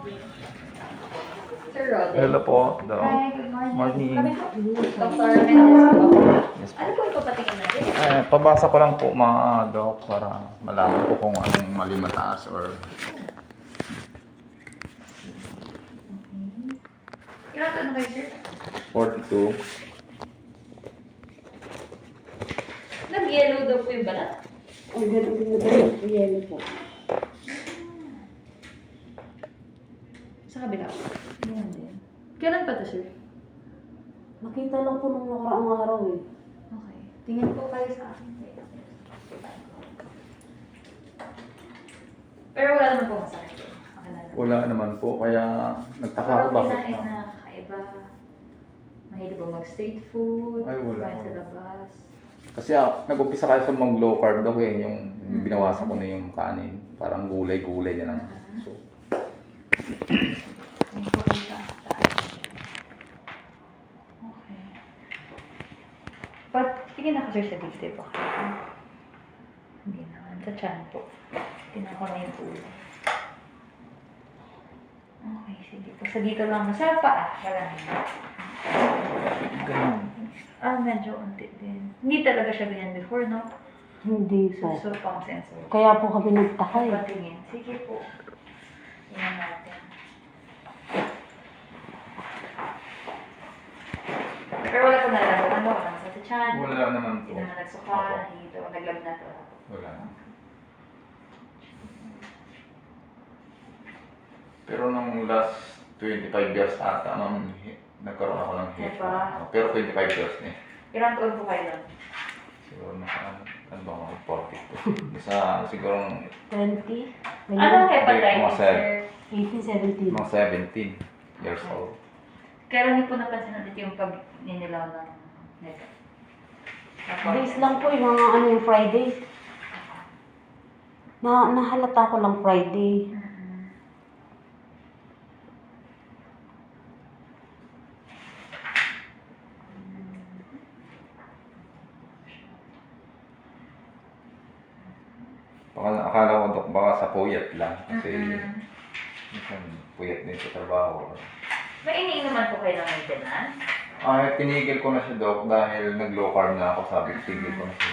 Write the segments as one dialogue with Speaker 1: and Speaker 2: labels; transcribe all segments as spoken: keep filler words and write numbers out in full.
Speaker 1: Sir Rodel.
Speaker 2: Hello po, Doc.
Speaker 1: Hi, good morning.
Speaker 2: Morning.
Speaker 1: Kami po, Doctor Menendez po.
Speaker 2: Yes po.
Speaker 1: Ano po yung papatingin natin?
Speaker 2: Eh, pabasa ko lang po mga Doc para malaman ko kung anong mali mataas or
Speaker 1: Ilan taon na kayo, sir?
Speaker 2: forty-two.
Speaker 1: Nag-yellow daw po yung balat.
Speaker 3: Ang ganun din na po, yelo po.
Speaker 1: Sa kabila po. Yan din. Kailan pa to, sir?
Speaker 3: Nakita lang po nung nakaraang araw eh.
Speaker 1: Okay. Tingin po kayo sa akin. Pero wala naman po masakit. Okay na lang.
Speaker 2: Wala naman po, kaya nagtaka ako
Speaker 1: Parang
Speaker 2: bakit
Speaker 1: kinain
Speaker 2: na.
Speaker 1: na kakaiba. Mahilig po mag-street food.
Speaker 2: Ay, wala.
Speaker 1: Kumain sa labas.
Speaker 2: Kasi ah, nag-umpisa kayo sa mag low carb daw eh, yung yung binawasan ko na yung kanin. Parang gulay-gulay na lang. So,
Speaker 1: Tingin po kayo sa taas. Okay. But, tingin ako, sir, sa dibdib. Okay. Hindi naman. Sa chan po. Tingnan ko na yung ulo. Okay, sige po. Sa dito lang. Sa paa. Wala na.
Speaker 2: ganun.
Speaker 1: Ah, medyo unti din. Hindi talaga siya ganyan before, no?
Speaker 3: Hindi
Speaker 1: So,
Speaker 3: po.
Speaker 1: so pang sensor.
Speaker 3: Kaya po kami nagtaka eh.
Speaker 1: Patingin. Sige po. Tingnan natin. Pero wala ko nalaman. Ano? Wala sa chan.
Speaker 2: Wala naman
Speaker 1: Hindi
Speaker 2: po.
Speaker 1: naman nagsuka. Dito. Naglab na to.
Speaker 2: Wala. Pero nung last twenty-five years ata, ma'am, hi- nagkaroon ako ng hip.
Speaker 1: Diba?
Speaker 2: Pero twenty-five years na eh.
Speaker 1: Ilang taon po kayo nun?
Speaker 2: Siguro naka, ano ba ako, forty-two. Isa, siguro,
Speaker 3: twenty?
Speaker 1: Anong
Speaker 2: Mga
Speaker 1: hepatitis,
Speaker 2: sir.
Speaker 1: sir?
Speaker 3: eighteen, seventeen.
Speaker 2: mga seventeen years old.
Speaker 1: Kailan niyo po napansin ulit yung pag ninilaw ng neto?
Speaker 3: Days lang po yung mga ano yung Friday. Na, nahalata ko lang Friday.
Speaker 1: Mhm.
Speaker 2: Baka, akala ko, Dok, baka sa puyat lang. Kasi,
Speaker 1: Mhm.
Speaker 2: minsan, puyat din sa trabaho.
Speaker 1: May iniinuman po kayo ng maintenance?
Speaker 2: Ay, tinigil ko na siya, Dok, dahil nag-low carb na ako. Sabi ko, tigil ko na siya.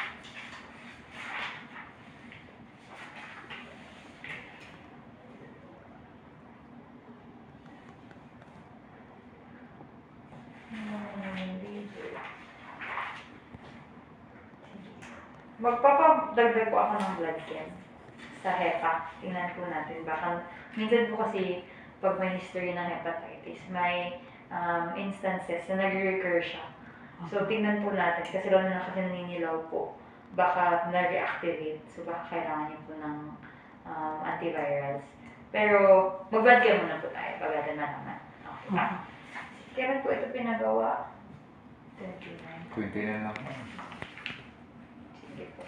Speaker 1: Magpapadagdag po ako ng blood chem sa hepa. Tingnan po natin. Baka, minsan po kasi pag may history ng hepatitis, may um, instances na nag-recur siya. So, tingnan po natin. Kasi lalo na kasi naninilaw po, baka na-reactivate. So, baka kailangan niyo po ng um, antivirals. Pero, mag-blood chem muna po tayo. Pagdating na naman. Okay ba? Kailan po ito pinagawa? twenty-nine.
Speaker 2: twenty na lang.
Speaker 1: Sige po.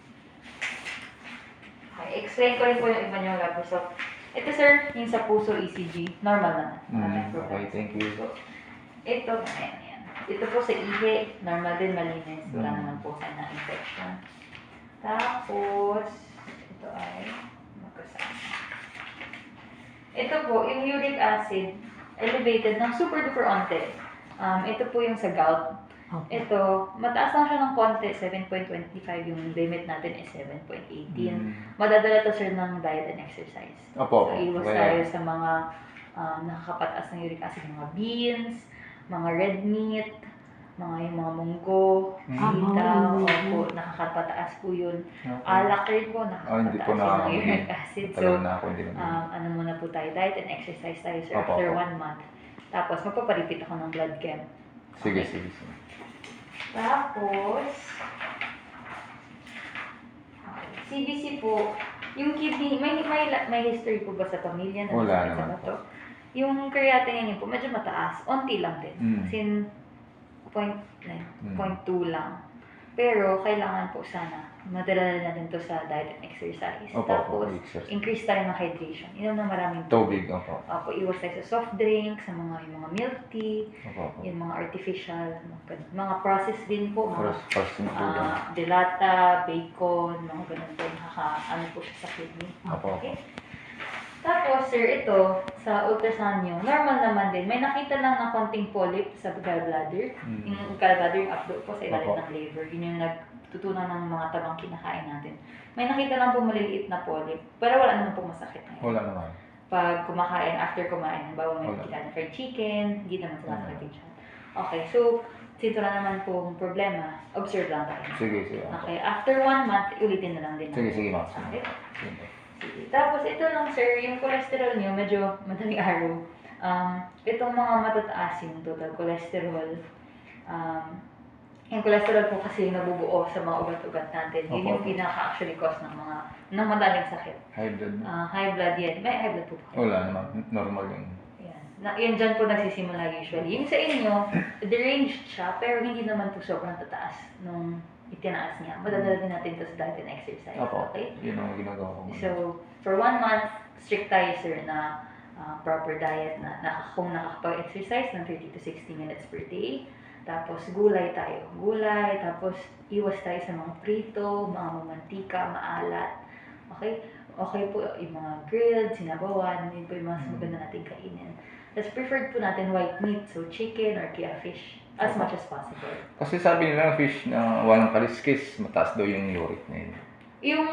Speaker 1: Okay, explain ko rin po yung iba niyong lab result. Ito sir, yung sa puso E C G, normal naman. Wala tayong
Speaker 2: Mm,
Speaker 1: problema.
Speaker 2: okay, thank you.
Speaker 1: So, ito, ayan, ayan. Ito po sa ihi, normal din, malinis. Wala
Speaker 2: Mm.
Speaker 1: naman po sa na-infection. Tapos, ito ay magkasama. Ito po, yung uric acid, elevated ng super duper onte. Um, ito po yung sa gout.
Speaker 3: Okay.
Speaker 1: Ito, mataas lang siya ng konti, seven point two five, yung limit natin is seven point one eight.
Speaker 2: Mm.
Speaker 1: Madadala to sir ng diet and exercise.
Speaker 2: Opo.
Speaker 1: So, iwas
Speaker 2: Kaya-
Speaker 1: tayo sa mga um, nakakapataas ng uric acid, mga beans, mga red meat, mga yung mga munggo,
Speaker 2: Mm.
Speaker 3: Ah,
Speaker 1: sitaw,
Speaker 3: mga
Speaker 1: opo, nakakapataas po yun.
Speaker 2: Okay.
Speaker 1: Alak rin po,
Speaker 2: Ah, hindi
Speaker 1: nakakapataas
Speaker 2: po na
Speaker 1: yun ng uric acid. So,
Speaker 2: Tagal na ako hindi na.
Speaker 1: um, ano muna po tayo, diet and exercise tayo sir
Speaker 2: Opo,
Speaker 1: after
Speaker 2: opo.
Speaker 1: one month. Tapos, magpaparipit ako ng blood chem.
Speaker 2: Sige, sige, sige.
Speaker 1: Tapos, okay. C B C po, yung kidney, may, may, may history po ba sa pamilya na
Speaker 2: Wala
Speaker 1: nasakit sa
Speaker 2: naman
Speaker 1: bato? Yung creatinine niyo po, medyo mataas, onti lang din.
Speaker 2: Mm.
Speaker 1: As in, point, like,
Speaker 2: Mm.
Speaker 1: point two lang. Pero, kailangan po sana, madala natin to sa diet and exercise.
Speaker 2: Opo,
Speaker 1: Tapos,
Speaker 2: opo, exercise.
Speaker 1: increase tayo ng hydration. Inom ng maraming
Speaker 2: Tubig, opo.
Speaker 1: Opo, iwas tayo sa soft drinks, sa mga, yung mga milk tea,
Speaker 2: Opo, opo.
Speaker 1: yung mga artificial, mga, ganun. Mga processed din po, mga
Speaker 2: First, first yung food.
Speaker 1: ah delata, bacon, mga ganun po, nakaka, ano po siya sa kidney.
Speaker 2: Opo, opo.
Speaker 1: Okay? Tapos, sir, ito, sa ultrasound nyo, normal naman din. May nakita lang na konting polyp sa gallbladder.
Speaker 2: Mm.
Speaker 1: Yung gallbladder, yung updo po sa ilalim
Speaker 2: Opo.
Speaker 1: ng liver. Yun yung nagtutunan ng mga tabang kinakain natin. May nakita lang po maliliit na polyp, pero wala naman po masakit na yun.
Speaker 2: Wala naman.
Speaker 1: Pag kumakain, after kumain, halimbawa may
Speaker 2: Wala.
Speaker 1: kita na fried chicken, hindi naman sila
Speaker 2: Wala.
Speaker 1: sakit yung tiyan. Okay, so, since wala naman pong problema, observe lang tayo.
Speaker 2: Sige, sige.
Speaker 1: Okay, after one month, ulitin na lang din.
Speaker 2: Sige,
Speaker 1: natin.
Speaker 2: sige, ma'am.
Speaker 1: Okay?
Speaker 2: Sige.
Speaker 1: Sige. Tapos ito lang sir, yung cholesterol nyo, medyo madaling araw. Um, itong mga matataas yung total cholesterol. Um, yung cholesterol po kasi yung nabubuo sa mga ugat-ugat natin. Yun yung
Speaker 2: Opo.
Speaker 1: pinaka-actually cause ng mga, ng madaling sakit.
Speaker 2: High blood.
Speaker 1: Ah, high blood yan. May high blood po ba?
Speaker 2: Wala naman. Normal yung...
Speaker 1: Yan. Na, yan dyan po nagsisimula usually. Yung sa inyo, deranged siya, pero hindi naman po sobrang tataas nung itinaas niya. Madadala din natin ito sa diet and exercise.
Speaker 2: Opo.
Speaker 1: Okay?
Speaker 2: Yun ang ginagawa ko.
Speaker 1: So, for one month, strict tayo sir na ah, proper diet na, na kung nakakapag-exercise ng thirty to sixty minutes per day. Tapos gulay tayo. Gulay, tapos iwas tayo sa mga prito, mga mamantika, maalat. Okay? Okay po yung mga grilled, sinabawan, yun po yung mas maganda natin kainin. Tapos preferred po natin white meat, so chicken or kaya fish, as much as possible.
Speaker 2: Kasi sabi nila fish na walang kaliskis, mataas daw yung uric na yun.
Speaker 1: Yung,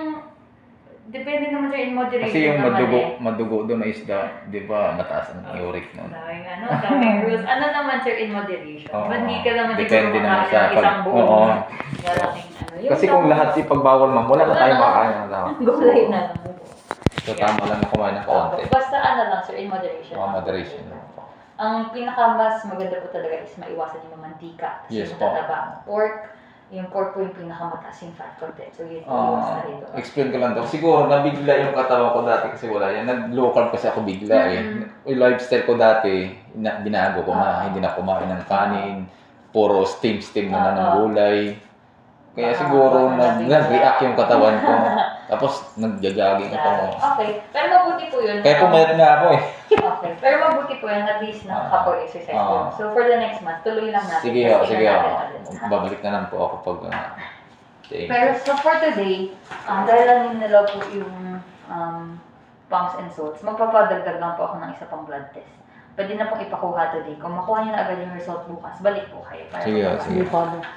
Speaker 1: depende naman sir in moderation
Speaker 2: Kasi yung
Speaker 1: naman
Speaker 2: madugo,
Speaker 1: eh.
Speaker 2: madugo doon na isda, di ba, mataas ang uric na.
Speaker 1: Daming ano, daming rules. Ano naman sir in moderation?
Speaker 2: Oo.
Speaker 1: Ba't hindi ka naman
Speaker 2: Depende
Speaker 1: siguro
Speaker 2: naman
Speaker 1: makakain
Speaker 2: sa
Speaker 1: ng isang
Speaker 2: pag-
Speaker 1: buong
Speaker 2: Oo.
Speaker 1: galaking ano. Yung
Speaker 2: Kasi kung
Speaker 1: tama-
Speaker 2: lahat ipagbawal ma'am, wala na
Speaker 1: Wala
Speaker 2: tayo
Speaker 1: na.
Speaker 2: makakain ng tao.
Speaker 1: Gulay na lang.
Speaker 2: So tama lang na kumain ng kaunti.
Speaker 1: Basta ano lang sir, in moderation.
Speaker 2: Mga moderation.
Speaker 1: Ang pinaka mas maganda po talaga is maiwasan yung mamantika. Tapos
Speaker 2: Yes
Speaker 1: yung
Speaker 2: po.
Speaker 1: tataba. Pork, yung pork po yung pinakamataas yung fat content. So yun, iwas na
Speaker 2: Ah,
Speaker 1: rito.
Speaker 2: explain ko lang to. Siguro nabigla yung katawan ko dati kasi wala yan. Nag-low carb kasi ako bigla eh. Yung lifestyle ko dati, na, binago ko na.
Speaker 1: Ah.
Speaker 2: Hindi na kumain ng kanin. Puro steam-steam na lang ng
Speaker 1: Ah.
Speaker 2: gulay. Kaya
Speaker 1: Ah,
Speaker 2: siguro
Speaker 1: baka
Speaker 2: nag,
Speaker 1: nabigla.
Speaker 2: nag-react yung katawan ko. Tapos nag-jogging ako.
Speaker 1: Okay. Pero mabuti po yun.
Speaker 2: Kaya pumayat na ako eh.
Speaker 1: Okay. Pero mabuti po yan, at least nakakapag-exercise
Speaker 2: Ah.
Speaker 1: po. So for the next month, tuloy lang natin.
Speaker 2: Sige
Speaker 1: Tapos
Speaker 2: ho, sige
Speaker 1: tingnan
Speaker 2: ho.
Speaker 1: natin ulit, ha?
Speaker 2: Babalik na lang po ako pag... Uh, thank you.
Speaker 1: Pero so for today, um, dahil lang yung nalaw po yung um, pumps and salts, magpapadagdag lang po ako ng isa pang blood test. Pwede na pong ipakuha today. Kung makuha niyo na agad yung result bukas, balik po kayo. Para
Speaker 2: Sige,
Speaker 1: makuha.
Speaker 2: sige.
Speaker 3: Hindi pa daw.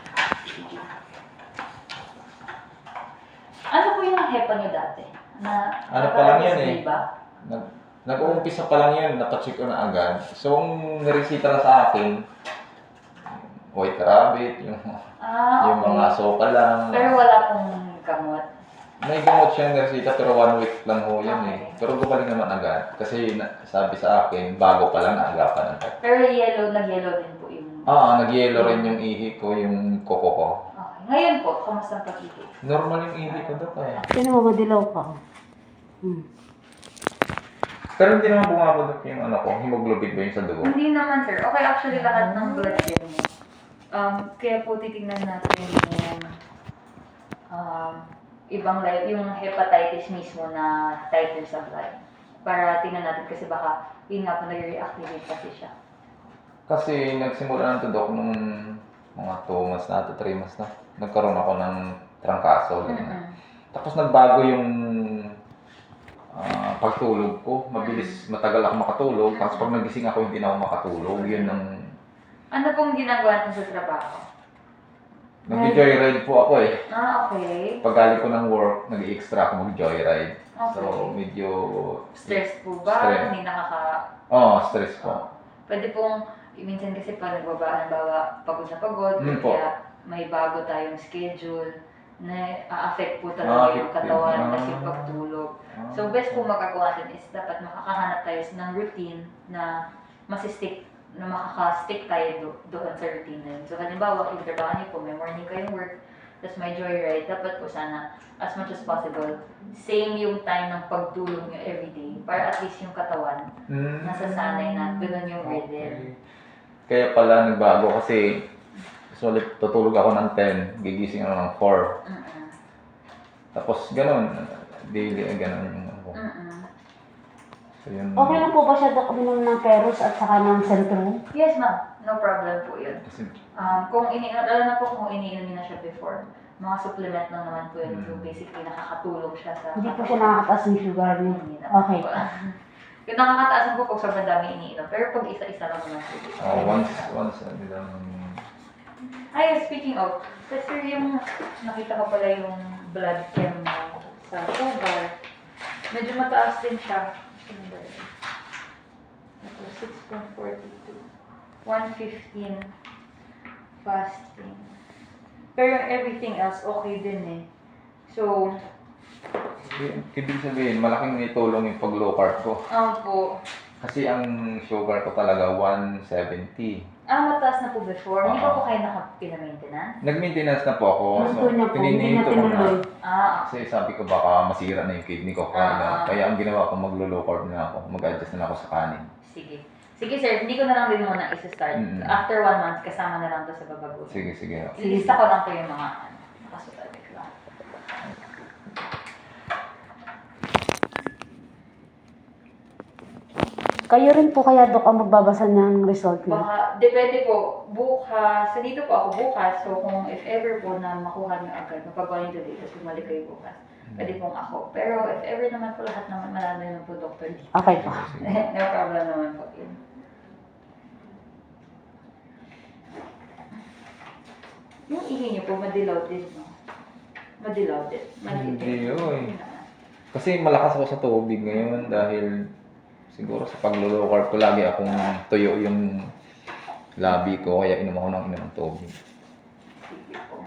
Speaker 1: Ano po yung hepa niyo dati? Na,
Speaker 2: Ano pa lang yan eh.
Speaker 1: Ba?
Speaker 2: Nag, nag-uumpisa pa lang yun, napacheck ko na agad. So, ang naresita na sa akin, white rabbit, yung,
Speaker 1: Ah,
Speaker 2: yung
Speaker 1: okay.
Speaker 2: mga soka lang.
Speaker 1: Pero wala pong gamot.
Speaker 2: May gamot siyang naresita pero one week lang ho yan eh.
Speaker 1: Okay.
Speaker 2: Pero gumaling naman agad. Kasi na, sabi sa akin, bago pa lang naagapan agad.
Speaker 1: Pero yellow, nag-yellow din po yung...
Speaker 2: Ah, nag-yellow rin yung ihi ko, yung koko ko.
Speaker 1: Okay. Ngayon po, kamusta ang pag-ibig?
Speaker 2: Normal yung ihi ko doon eh.
Speaker 3: Sino mo madilaw ka? Hmm.
Speaker 2: Pero hindi naman bumabagak yung ano ko, hemoglobin ba yung sa dugo?
Speaker 1: Hindi naman sir. Okay, actually lahat ng blood niyo. Um, kaya po titignan natin yung um, ibang life, yung hepatitis mismo na titers of blood. Para tingnan natin kasi baka yun nga po nag-reactivate kasi siya.
Speaker 2: Kasi nagsimula na ito, Dok, nung mga two months na to, three months na. Nagkaroon ako ng trangkaso. ganun.
Speaker 1: Mm-mm.
Speaker 2: Tapos nagbago yung ah, pagtulog ko. Mabilis, matagal ako makatulog. Tapos pag nagising ako, hindi na ako makatulog. Yun ang...
Speaker 1: Ano pong ginagawa natin sa trabaho?
Speaker 2: Nag-joyride po ako eh.
Speaker 1: Ah, okay.
Speaker 2: Pag galing ko ng work, nag-extra ako mag-joyride.
Speaker 1: Okay.
Speaker 2: So, medyo...
Speaker 1: Stress po ba?
Speaker 2: Stress.
Speaker 1: Hindi nakaka...
Speaker 2: Oo, oh, stress po.
Speaker 1: Pwede pong, minsan kasi pag nagbaba, bawa pagod na pagod,
Speaker 2: Mm, po.
Speaker 1: kaya may bago tayong schedule na a-affect po
Speaker 2: Ah,
Speaker 1: talaga yung
Speaker 2: affect
Speaker 1: katawan
Speaker 2: din.
Speaker 1: kasi
Speaker 2: Ah.
Speaker 1: pagtulog.
Speaker 2: Ah.
Speaker 1: So, best po magagawa natin is dapat makakahanap tayo ng routine na masistick, na makaka-stick tayo do, doon sa routine na yun. So, halimbawa, yung trabaho niyo po, may morning kayong work, tapos may joyride, dapat po sana, as much as possible, same yung time ng pagtulog niyo everyday para at least yung katawan,
Speaker 2: Mm.
Speaker 1: nasasanay na, ganun yung rhythm.
Speaker 2: Okay. Kaya pala nagbago kasi sulit tutulog ako ng ten, gigising ako ng four.
Speaker 1: Mm-mm.
Speaker 2: Tapos ganun, daily ganun yung ano ko.
Speaker 1: Mm-mm.
Speaker 2: So yun.
Speaker 3: Okay lang po ba siya Dok, uminom ng Peros at saka ng Centrum?
Speaker 1: Yes, ma'am. No problem po yun.
Speaker 2: Kasi,
Speaker 1: Um, kung ini alam na po kung iniinom niyo na siya before, mga supplement lang naman po yun.
Speaker 2: Mm.
Speaker 1: So basically, nakakatulong siya sa...
Speaker 3: Hindi po siya nakakataas ng sugar niya.
Speaker 1: Hindi na.
Speaker 3: Okay.
Speaker 1: Kung nakakataasan po pag sobrang dami iniinom. Pero pag isa-isa lang naman po.
Speaker 2: Oh, once, once, ano lang.
Speaker 1: Ay, speaking of, kasi yung nakita ko pala yung blood chem mo sa sugar. Medyo mataas din siya. Ito, six point four two. one fifteen fasting. Pero yung everything else, okay din eh. So,
Speaker 2: Ibig sabihin, malaking itulong yung pag low carb ko.
Speaker 1: um, po,
Speaker 2: Kasi ang sugar ko talaga one seventy.
Speaker 1: ah, mataas na po before. Hindi pa
Speaker 2: Oo.
Speaker 1: po kayo nakapina-maintenance?
Speaker 2: Nag-maintenance na po ako.
Speaker 3: Ano po niya po, hindi niya
Speaker 2: pininihinto ko na.
Speaker 3: tinuloy.
Speaker 1: Ah,
Speaker 2: Kasi sabi ko baka masira na yung kidney ko. Kaya,
Speaker 1: Ah.
Speaker 2: kaya ang ginawa ko maglo-low carb na ako. Mag-adjust na ako sa kanin.
Speaker 1: sige. Sige sir, hindi ko na lang din muna isa-start.
Speaker 2: Mm.
Speaker 1: After one month, kasama na lang to sa babago.
Speaker 2: Sige, sige.
Speaker 1: Ilista ko lang po yung mga ano, nakasulat lang.
Speaker 3: Kayo rin po kaya, Dok, ang magbabasa ng result niya?
Speaker 1: Baka, depende po, bukas, sa dito po ako bukas, so kung if ever po na makuha niyo agad, mapagawa niyo today, tapos bumalik kayo bukas, pwede pong ako. Pero if ever naman po lahat naman, malala naman po doctor dito.
Speaker 3: Okay po.
Speaker 1: No problem naman po yun. Yung ihi niyo po, madilaw din, no? Madilaw din. Madilaw
Speaker 2: Hindi yun.
Speaker 1: Yun naman.
Speaker 2: Kasi malakas ako sa tubig ngayon dahil siguro sa paglo-low carb ko lagi akong tuyo yung labi ko kaya inom ako ng inom ng tubig.
Speaker 1: Sige po.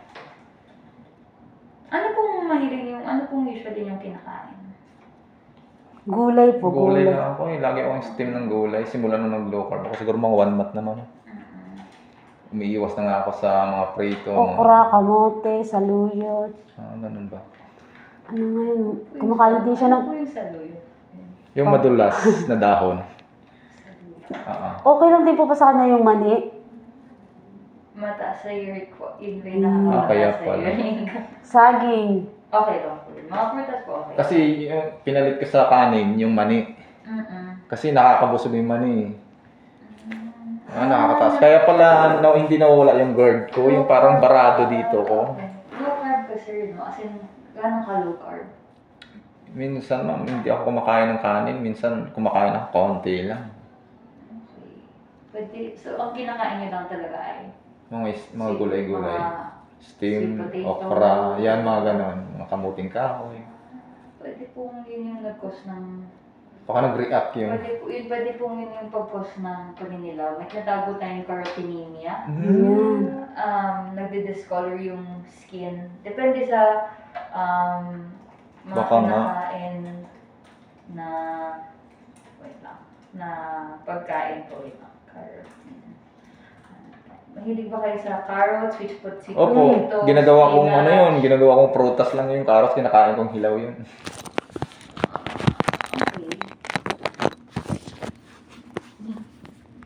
Speaker 1: Ano pong mahilig yung, ano pong usually yung kinakain?
Speaker 3: Gulay po,
Speaker 2: Gulay
Speaker 3: gulay.
Speaker 2: na ako eh. Lagi akong steam ng gulay. Simula nung nag-low carb ako. Siguro mga one month naman.
Speaker 1: Mm-mm.
Speaker 2: Umiiwas na nga ako sa mga prito.
Speaker 3: Okra, kamote, saluyot.
Speaker 2: Ah, ganun ba?
Speaker 3: Ano nga yun? Kumakain din siya ng...
Speaker 1: Ano po yung saluyo?
Speaker 2: Yung madulas na dahon.
Speaker 1: Saluyo.
Speaker 2: Ah, ah.
Speaker 3: Okay lang din po pa sa kanya yung mani.
Speaker 1: Mataas sa uric ko. Yun ba
Speaker 3: Hmm.
Speaker 1: yung
Speaker 2: Ah,
Speaker 1: nakakataas
Speaker 2: kaya
Speaker 1: sa
Speaker 2: pala.
Speaker 1: uric?
Speaker 3: Saging.
Speaker 1: Okay lang po yun. Mga prutas po okay.
Speaker 2: Kasi yung pinalit ko sa kanin, yung mani.
Speaker 1: Mm-mm.
Speaker 2: Kasi nakakabusog yung mani. Ah, nakakataas. Kaya pala no, hindi nawawala yung GERD ko. Yung parang barado dito ko.
Speaker 1: Low carb ka sir, no? As in, gano'n ka low carb?
Speaker 2: Minsan ma'am, hindi ako kumakain ng kanin. Minsan kumakain ako konti lang.
Speaker 1: Okay. Pwede, so ang kinakain niyo lang talaga ay
Speaker 2: Mga, is- mga
Speaker 1: sweet-
Speaker 2: gulay-gulay.
Speaker 1: mga
Speaker 2: Steam,
Speaker 1: sweet potato.
Speaker 2: okra, yan mga ganon. Mga kamuting kahoy.
Speaker 1: Pwede pong yun yung nag-cause ng...
Speaker 2: Baka nag-react yung...
Speaker 1: Pwede po, yun, pwede pong yun yung pag-cause ng paninilaw. May tinatawag tayong carotenemia.
Speaker 2: Mm.
Speaker 1: Um, nagdi-discolor yung skin. Depende sa um, mga
Speaker 2: Baka nga.
Speaker 1: kinakain na... Wait lang. Na pagkain po. Wait lang. Carrot. Mahilig ba kayo sa carrots, sweet potato,
Speaker 2: Opo, ginagawa kong ano yun, ginagawa kong prutas lang yung carrots, kinakain kong hilaw yun.